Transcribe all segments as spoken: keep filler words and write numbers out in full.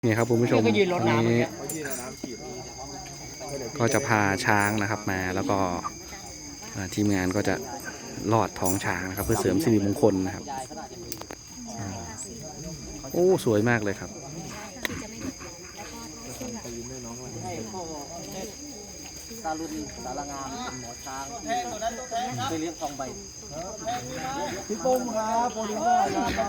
นี่ครับคุณผู้ชมนี้ก็จะพาช้างนะครับมาแล้วก็ทีมงานก็จะลอดท้องช้างนะครับเพื่อเสริมสิริมงคลนะครับโอ้สวยมากเลยครับตาลุนสารงามหมอช้างไปเลี้ยงทองใบพี่ปุ้มครับโปรดิวเซอร์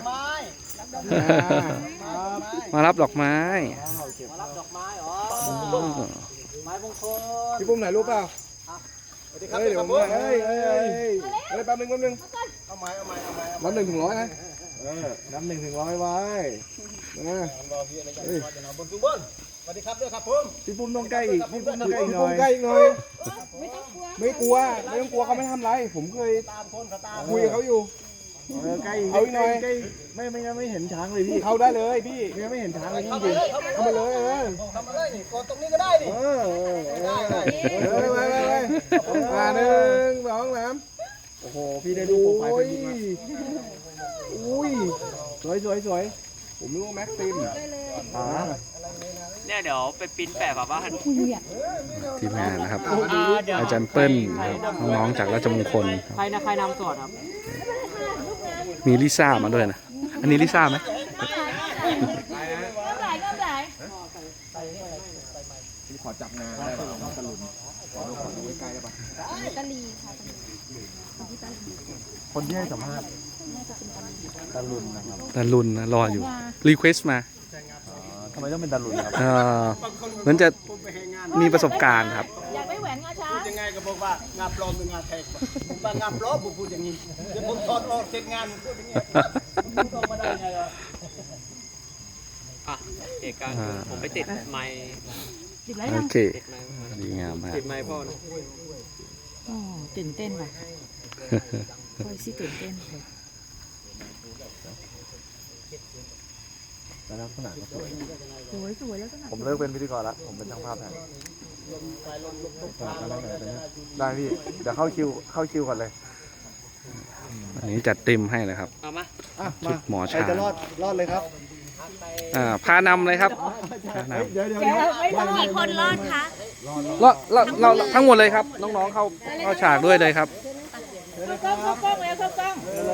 มารับดอกไม้มารับดอกไม้อ๋อไม้มงคลพี่ปุ้มไหนรูปเปล่าเฮ้ยเดี๋ยวผมเฮ้ยเฮ้ยเฮ้ยเฮ้ยแป๊บนึงแป๊บนึงเอาไม้เอาไม้เอาไม้นับหนึ่งถึงร้อยนะเออนับหนึ่งถึงร้อยไว้นะเฮ้ยสวัสดีครับด้วยครับผมพี่ปุ้มต้องใกล้อีกพี่ปุ้มต้องใกล้อีกหน่อยใกล้อีกหน่อยไม่กลัวไม่ต้องกลัวเขาไม่ทำไรผมเคยคุยกับเขาอยู่ใกล้เอาอีกหน่อยไม่ไม่ไม่เห็นช้างเลยพี่เข้าได้เลยพี่ยังไม่เห็นช้างเลยจริงๆเข้ามาเลยเออเข้ามาเลยนี่กดตรงนี้ก็ได้ดิเออเออได้ได้ไปไปไปมาหนึ่งสองสามโอ้โหพี่ได้ดูโปรไฟล์เป็นยังไงอุ้ยสวยสวยสวยผมนึกว่าแม็กซิมอ่าเนี่ยเดี๋ยวไปปิ้นแปะแบบว่าทีมงานนะครับอาจารย์เปิ้ลน้องๆจากราชมงคลใครนะใครนำสวดครับมีลิซ่ามาด้วยนะอันนี้ลิซ่าไหมพี่ขอจับงานได้ป่ะตะลุนขอดูขอดูใกล้ได้ป่ะตะลีค่ะคนที่ให้สัมภาษณ์ตะลุนนะครับตะลุนนะรออยู่รีเควสต์มาทำไมต้องเป็นตะลุนครับเหมือนจะมีประสบการณ์ครับอยากได้แหวนงาช้างยังไงก็บอกว่างาปลอมเป็นงาแทกว่างาปลอมผมพูดอย่างนี้เดี๋ยวผมถอดออกเสร็จงานพูดอย่างนี้พูดออกมาได้ไงล่ะอ่ะเอกการผมไปติดไมค์ติดไรโอนะเคดีงามมากติดไมค์พ่อนะโอ้ตื่นเต้นว่ะโอ้ยสิตื่นเต้นแต่ลักษณะก็สวยสวยสวยแล้วก็ผมเลิกเป็นพิธีกรแล้วผมเป็นช่างภาพแทนได้พี่เดี๋ยวเข้าคิวเข้าคิวก่อนเลยอันนี้จัดเต็มให้เลยครับเอามาชุดหมอช้างจะรอดรอดเลยครับอ่าพานำเลยครับเดี๋ยวเดี๋ยวกี่คนรอดคะรอดรอดเราทั้งหมดเลยครับน้องๆเข้าเข้าฉากด้วยเลยครับเข้ากล้องเข้ากล้องแล้วเข้ากล้อง